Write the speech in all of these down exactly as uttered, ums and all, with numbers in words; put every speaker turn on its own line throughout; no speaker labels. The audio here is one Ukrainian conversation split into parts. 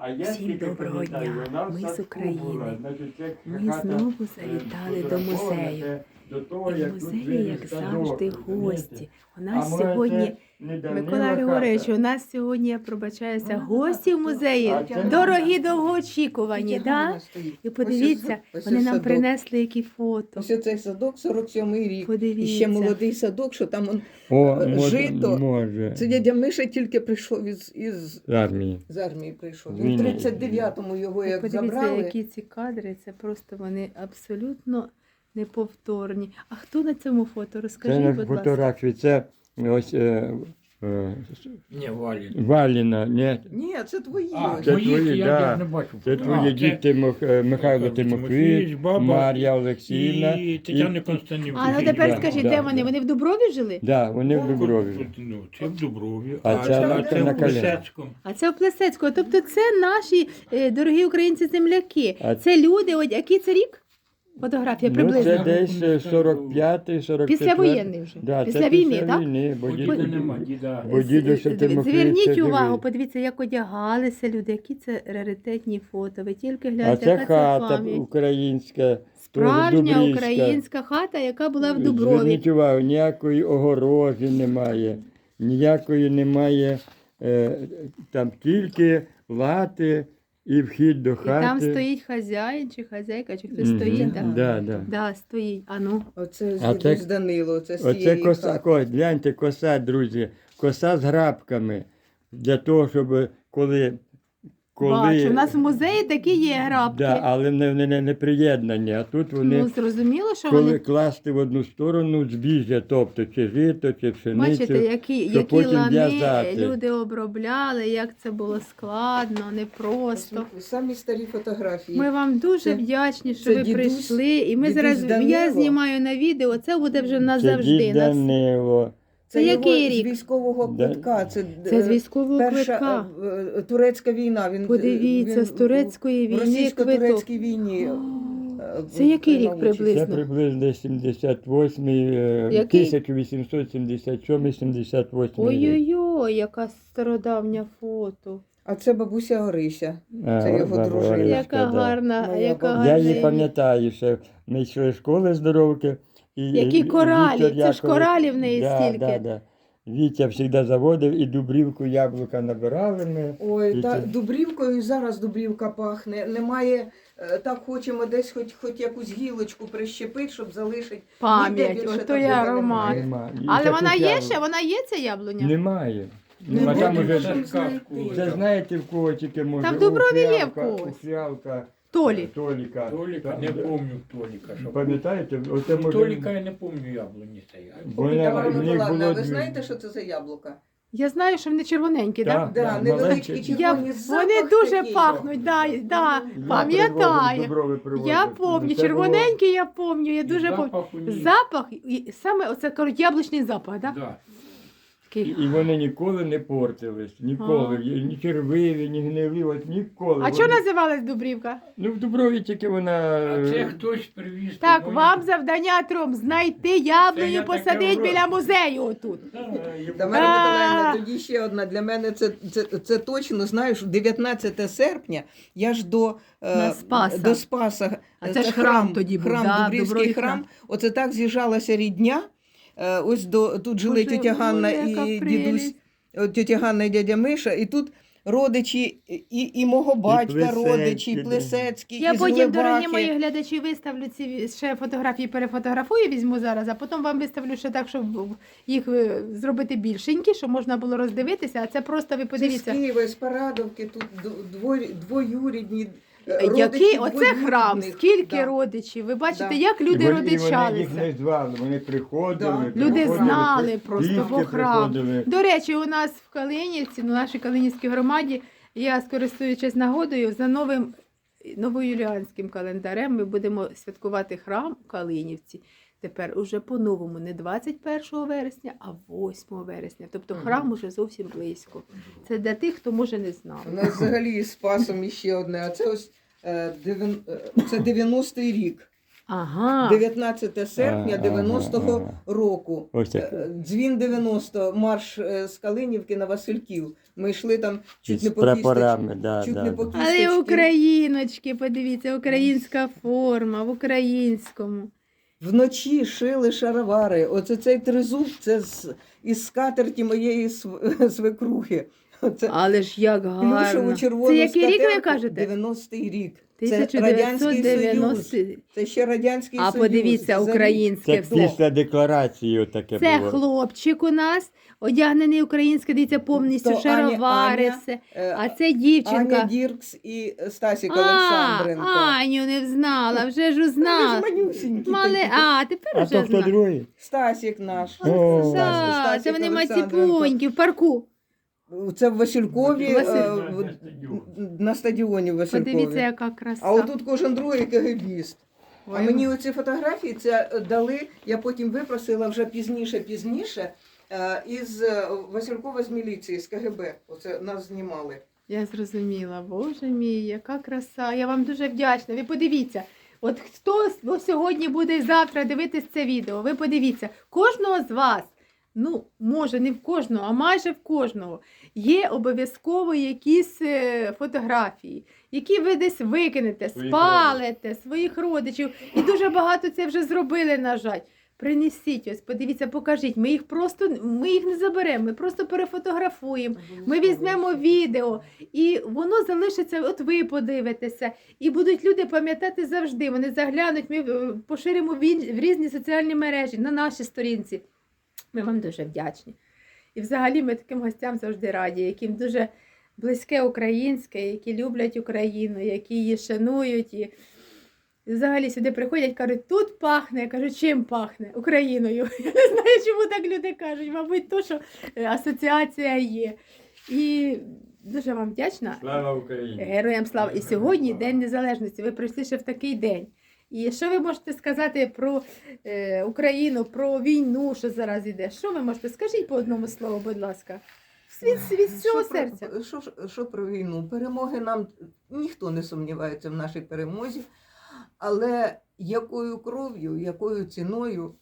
Всім доброго дня! Ми з України. Ми знову завітали до музею. І в музеї, як завжди, гості. У нас сьогодні, Микола Григорович, у нас сьогодні, я пробачаюся, гості в музеї. Дорогі, довгоочікувані, да? І подивіться, вони нам принесли які фото.
Ось цей садок, сорок сьомий рік.
Подивіться.
І ще молодий садок, що там он,
О,
е,
може,
жито.
може.
Це дядя Миша тільки прийшов із, із,
З армії.
з армії прийшов.
З
Він в
війни.
тридцять дев'ятому його як
Подивіться,
забрали.
які ці кадри, це просто вони абсолютно неповторні. А хто на цьому фото?
Це
Розкажіть,
на
будь ласка.
фотографії. Це ось е, е,
Не, Валін.
Валіна. Ні,
Ні, це твої.
А,
ось.
це
твої,
твої,
я
да.
ж не бачу.
це
А,
твої
це
діти Мих- е, Михайло Тимофійович,
баба
Мар'я Олексіївна.
і Тетяна Константинівна.
А, ну тепер
Да,
скажіть,
да,
де вони?
да.
Вони в Дуброві жили?
Да, вони в Дуброві.
Ну, це в Дуброві,
А
а,
це
це,
на-
це
на
в
Коляні.
Плесецькому.
А це в Плесецького. Тобто це наші е, дорогі українці-земляки.
А-
Це люди, от який це рік? Фотографія
Ну,
приблизно.
це десь е, сорок п'ятий, сорок четвертий.
Післявоєнний вже.
Да,
Після
це
війни,
після
так?
війни, бо
Бо
діду-
діда нема, діда.
бо діду ще
З-
Тимофій,
Зверніть
це
увагу,
живий.
подивіться, як одягалися люди, які це раритетні фото. Ви тільки
А
гляньте,
це
яка це
хата
пам'ять.
українська.
Справжня
Дубрівська.
українська хата, яка була в Дуброві.
Зверніть увагу, ніякої огорожі немає, ніякої немає, е, там тільки лати і вхід до
І
хати.
там стоїть хазяїн чи хазяйка, чи хтось
Мгм.
стоїть. Так,
Да, да.
да, стоїть. А ну.
Оце
А
з
це-
з Данило, це з
Оце
цієї
коса,
хати.
ось, гляньте, коса, друзі, коса з грабками, для того, щоб коли... коли
Бачу, у нас в музеї такі є грабки.
Да, але не, не, не, не приєднані, а тут вони...
Ну, зрозуміло, що
Коли
вони...
класти в одну сторону збіжжя, тобто чи жито, чи пшеницю,
Бачите, які,
щоб
які
потім
лани
в'язати.
люди обробляли, як це було складно, непросто.
Ось Самі старі фотографії.
Ми вам дуже
Це-
вдячні, що
це
ви
дідусь-
прийшли. І ми
дідусь
зараз, я
Данило.
знімаю на відео, це буде вже
Це
назавжди.
дід
Нас...
Данило.
Це
його
який
з
рік?
військового
Да.
квитка. Це,
Це з
е,
військового
перша
квитка.
е, е, турецька війна. Він,
Подивіться,
він
з турецької
в
війни квиток.
російсько-турецькій війні. е,
Це який рік
приймав участь.
приблизно?
Це приблизно сімдесят восьмий, е,
Який?
тисяча вісімсот сімдесят сьомий сімдесят восьмий рік.
Ой-ой-ой, яка стародавня фото.
А це бабуся Орися.
А,
Це його
баба
дружина.
Оришка,
Яка
да.
гарна,
Моя
яка
бабуся.
гарна.
Я її
ім'я.
пам'ятаю, що ми йшли з школи здоровки. І
Які
Ві-
коралі,
Віктор
це ж
Яковлев-
коралі в неї
да,
стільки.
Да, да. Вітя завжди заводив і дубрівку яблука набирали ми.
Ой,
І
та
це-
Дубрівкою і зараз Дубрівка пахне. Немає, е, так хочемо десь хоч, хоч якусь гілочку прищепити, щоб залишити. Ніде
Пам'ять,
більше
ото
такого
є
немає.
аромат.
Нема. І
Але
таке
вона є
яблуко.
ще, вона є ця яблуня?
Немає.
Не
Ну, а там
буде
уже
там
Це
знайти.
сказку.
це знаєте в кого тільки може.
Там в Дуброві є в
Фіалка-
когось.
у Фіалка,
Толі.
Толіка.
Толіка, не помню Толіка. що-
Пам'ятаєте? Оце може...
Толіка я не помню яблуні цієї.
Бо вона-
Тамара
в них
Миколаївна,
було
ви
дві-
знаєте, що це за яблука?
Я знаю, що вони червоненькі,
Так.
так?
Да,
Да,
невеличкі
маленькі.
Я,
червоні.
вони
запах
дуже
такий.
пахнуть, да, да,
Я привозив,
пам'ятаю.
Дуброви привозив.
Я пам'ятаю,
Це
червоненькі я пам'ятаю, я
І
дуже пам'ятаю.
запах у них.
Запах, і саме оце, кажуть, яблучний запах, так?
Да.
було. І, і вони ніколи не портились. Ніколи.
А.
Ні червиві, ні гнилі, от ніколи.
А
Вони-
чого називалась Дубрівка?
Ну в Дуброві тільки вона...
А це хтось привіз.
Так,
тобою.
вам завдання трьом знайти
Це
яблуню,
я таке
посадить
вроблю.
біля музею отут.
Тамара
А.
Миколаївна, тоді ще одна. Для мене це, це, це точно, знаєш, дев'ятнадцяте серпня, я ж до, е,
На Спаса.
до Спаса.
А це ж храм тоді був,
храм,
да,
Дубрівський
Дубровий
храм.
храм.
Оце так з'їжджалася рідня. Е, Ось до, тут жили
Боже,
тетя Ганна
ой, яка
і
прелість.
дідусь, е, тетя Ганна і дядя Миша, і тут родичі і, і мого батька,
Плесецькі,
родичі, і
да.
Плесецькі,
Я
і з
потім, дорогі
Глибахи.
мої глядачі, виставлю ці ще фотографії, перефотографую, візьму зараз, а потім вам виставлю ще так, щоб їх е, зробити більшенькі, щоб можна було роздивитися. А це просто ви
Це з
подивіться.
Києва, з Парадовки, тут дво- двоюрідні. е,
Який
родичі
оце храм,
двоюрідних.
скільки
Да.
родичів. Ви бачите,
Да.
як
І
люди
вони- і вони їх
родичалися.
не звали, вони приходили.
Да.
Люди
приходили,
знали просто,
пішки
бо храм.
приходили.
До речі, у нас в Калинівці, на нашій Калинівській громаді, я, скористуючись нагодою, за новим новоюліанським календарем ми будемо святкувати храм в Калинівці. Тепер уже по-новому, не двадцять першого вересня, а восьмого вересня. Тобто храм уже зовсім близько. Це для тих, хто може не знав.
У нас взагалі з Спасом іще одне, а це ось е, дев'ян- е, це дев'яностий рік.
Ага.
дев'ятнадцяте серпня
Ага,
дев'яностого
ага.
року.
Ось так.
Е, Дзвін дев'яносто, марш е, з Калинівки на Васильків. Ми йшли там чуть
З
не по
прапорами,
кісточці.
да,
чуть
да,
не по
да.
кісточці.
Але україночки, подивіться, українська форма в українському.
Вночі шили шаровари. Оце цей тризуб, це з, із скатерті моєї св- свекрухи. Оце
Але ж як
плюшеву
гарно.
червону
Це який рік ви
скатерку,
кажете?
дев'яностий рік. Це
тисяча
Радянський
дев'ятсот
Союз.
дев'яностий.
Це ще Радянський
А
Союз.
подивіться,
За рік.
українське
Це
все.
після декларації таке
Це
було.
хлопчик у нас, одягнений українське, дивіться, повністю
То Аня-
шаровари,
Аня,
все.
Е,
А це дівчинка.
Аня Діркс і Стасік
А,
Олександренко.
Аню не взнала, вже ж
Вони
узнала.
ж манюсінькі
Мале...
такі.
А, тепер
А
вже
то хто
знаю.
другий?
Стасік наш.
О.
Стасік-
Да,
Стасік
це вони
Олександренко.
маціпуньки в парку.
Це в Василькові,
Василь-
е, в- на стадіоні в Василькові.
Подивіться, яка краса.
А отут кожен другий кегебіст. А
Ой,
мені оці фотографії це дали, я потім випросила вже пізніше, пізніше, е, із е, Василькова з міліції, з КГБ. Оце нас знімали.
Я зрозуміла, боже мій, яка краса. Я вам дуже вдячна. Ви подивіться, от хто с- сьогодні буде і завтра дивитись це відео, ви подивіться, кожного з вас, ну, може, не в кожного, а майже в кожного, є обов'язково якісь е, фотографії, які ви десь викинете,
Своїх
спалите, своїх родичів. І дуже багато це вже зробили, на жаль. Принесіть ось, подивіться, покажіть. Ми їх просто ми їх не заберемо, ми просто перефотографуємо. Ми візьмемо відео, і воно залишиться, от ви подивитеся, і будуть люди пам'ятати завжди. Вони заглянуть, ми е, поширимо в ін- в різні соціальні мережі, на нашій сторінці. Ми вам дуже вдячні. І взагалі ми таким гостям завжди раді, яким дуже близьке українське, які люблять Україну, які її шанують. І і взагалі сюди приходять, кажуть, тут пахне. Я кажу, чим пахне? Україною. Я не знаю, чому так люди кажуть. Мабуть, то, що е, асоціація є. І дуже вам вдячна.
Слава Україні!
Героям слава. І сьогодні День Незалежності. Ви прийшли ще в такий день. І що ви можете сказати про е, Україну, про війну, що зараз іде? Що ви можете? Скажіть по одному слову, будь ласка. Світ, світ з цього
Що про-
серця.
Що, ж- що про війну? Перемоги нам ніхто не сумнівається в нашій перемозі, але якою кров'ю, якою ціною.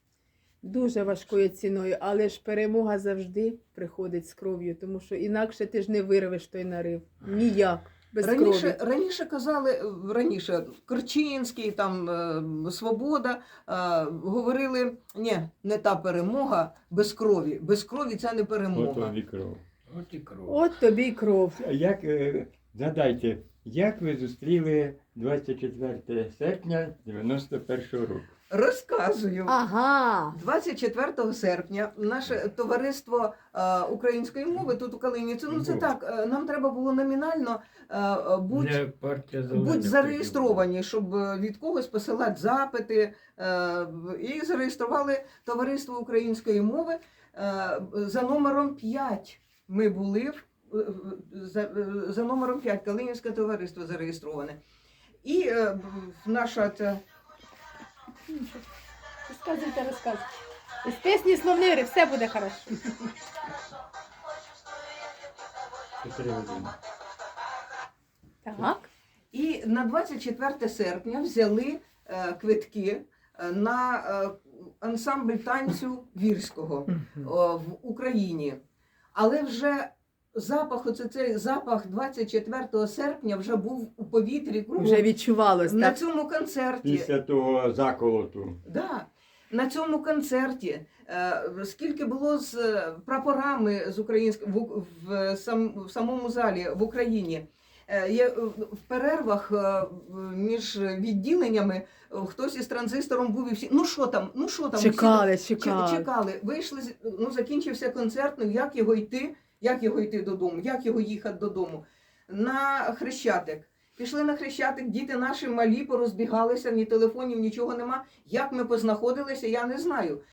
Дуже важкою ціною, але ж перемога завжди приходить з кров'ю, тому що інакше ти ж не вирвеш той нарив. Ніяк. Без
Раніше,
крові.
раніше казали, е, раніше Корчинський, там е, Свобода е, говорили, ні, не та перемога без крові. Без крові це не
Ото
перемога.
вікров.
От і кров.
От тобі й кров.
Як, е, згадайте, як ви зустріли двадцять четверте серпня дев'яносто першого року?
Розказую.
Ага.
двадцять четвертого серпня наше товариство е, української мови тут у Калиніці, ну це
Ого.
так, е, нам треба було номінально е, бути
Не партія зелених
будь зареєстровані, щоб е, від когось посилати запити. е, І зареєстрували товариство української мови е, за номером п'ять. Ми були в- в- за, е, за номером п'ять, Калинівське товариство зареєстроване. І е, наша ця
Розказуйте, розказуйте. Із пісні словнири, все буде хорошо.
Чотири години.
Так.
І на двадцять четверте серпня взяли е, квитки е, на е, ансамбль танцю вірського о, в Україні. Але вже запах, оце цей запах двадцять четвертого серпня вже був у повітрі кругом.
Вже відчувалось,
На
так?
цьому концерті.
Після того заколоту.
Да. На цьому концерті, е, скільки було з е, прапорами з українськ... в, в, сам, в самому залі в Україні. Е, є, е, в перервах е, між відділеннями е, хтось із транзистором був і всі. Ну що там? Ну що там?
Чекали,
Всі
чекали.
Ч- чекали. Вийшли, з- ну закінчився концерт. Ну як його йти? Як його йти додому? Як його їхати додому? На Хрещатик. Пішли на Хрещатик, діти наші малі порозбігалися, ні телефонів, нічого нема. Як ми познаходилися, я не знаю.